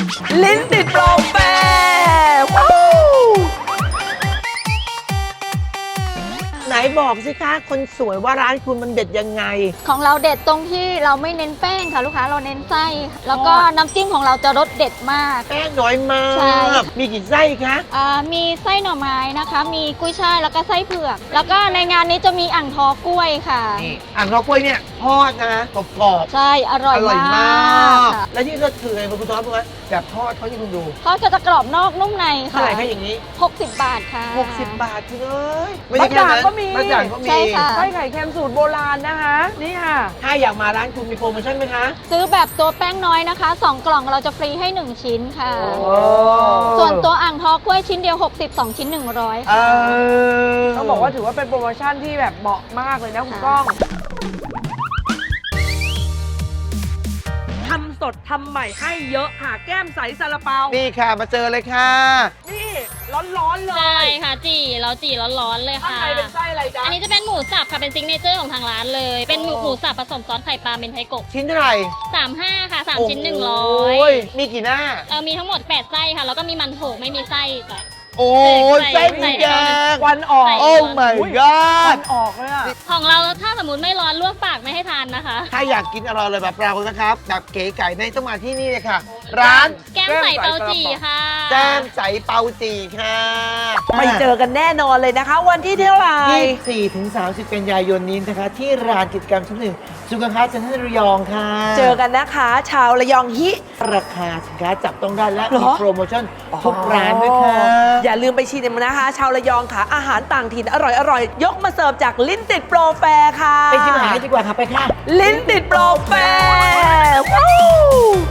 ลิ้นติดโปรแฟร์ไหนบอกสิคะคนสวยว่าร้านคุณมันเด็ดยังไงของเราเด็ดตรงที่เราไม่เน้นแป้งค่ะลูกค้าเราเน้นไส้แล้วก็น้ำจิ้มของเราจะรสเด็ดมากแป้งน้อยมากใช่มีกี่ไส้คะมีไส้หน่อไม้นะคะมีกุ้ยช่ายแล้วก็ไส้เผือกแล้วก็ในงานนี้จะมีอ่างทอกล้วยค่ะนี่อ่างทอกล้วยเนี่ยทอดนะกรอบใช่อร่อยมากแล้วที่ก็คือไงคุณท็อปรู้ไหมแบบทอดเขาที่คุณดูทอดก็จะกรอบนอกนุ่มในค่ะเท่าไหร่คะอย่างนี้ 60 บาทค่ะ 60 บาทเลยไม่ใช่แค่นั้นก็มีใช่ค่ะไส้ไข่เค็มสูตรโบราณนะคะนี่ค่ะถ้าอยากมาร้านคุณมีโปรโมชั่นไหมคะซื้อแบบตัวแป้งน้อยนะคะ2กล่องเราจะฟรีให้1ชิ้นค่ะส่วนตัวอ่างทอกล้วยชิ้นเดียว60 2ชิ้น100ค่ะต้องบอกว่าถือว่าเป็นโปรโมชั่นที่แบบเหมาะมากเลยนะคุณก้องทำสดทำใหม่ให้เยอะค่ะแก้มใสซาลาเปานี่ค่ะมาเจอเลยค่ะนี่ร้อนๆเลยใช่ค่ะเราจีร้อนๆเลยค่ะข้างในเป็นไส้อะไรจ๊ะอันนี้จะเป็นหมูสับค่ะเป็นซิกเนเจอร์ของทางร้านเลยเป็นหมูสับผสมซอสไข่ปลาเมนไทโกะชิ้นเท่าไหร่ 35ค่ะ3ชิ้นมีกี่หน้ามีทั้งหมด8ไส้ค่ะแล้วก็มีมันโถไม่มีไส้จ้ะโอ้ยไส้มีแกงวันออกโอ้ my god วันออกเลยอะของเราถ้าสมมติไม่ร้อนลวกปากไม่ให้ทานนะคะถ้าอยากกินอร่อยเลยแบบเรานะครับแบบเก๋ไก่ในต้องมาที่นี่เลยค่ะร้านแก้มใสเปาจีค่ะแก้มใสเปาจีค่ะไปเจอกันแน่นอนเลยนะคะวันที่เท่าไหร่ 24 ถึง 30 กันยายนนี้นะคะที่ร้านกิจกรรมชั้น 1สุขภาพจันทระยองค่ะเจอกันนะคะชาวระยองฮิราคาสินค้าจับต้องได้และมีโปรโมชั่นทุกร้านด้วยค่ะอย่าลืมไปชิมนะคะชาวระยองค่ะอาหารต่างถิ่นอร่อยยกมาเสิร์ฟจากลิ้นติดโปรแฟร์ค่ะไปชิมอาหารดีกว่าค่ะไปค่ะลิ้นติดโปรแฟร์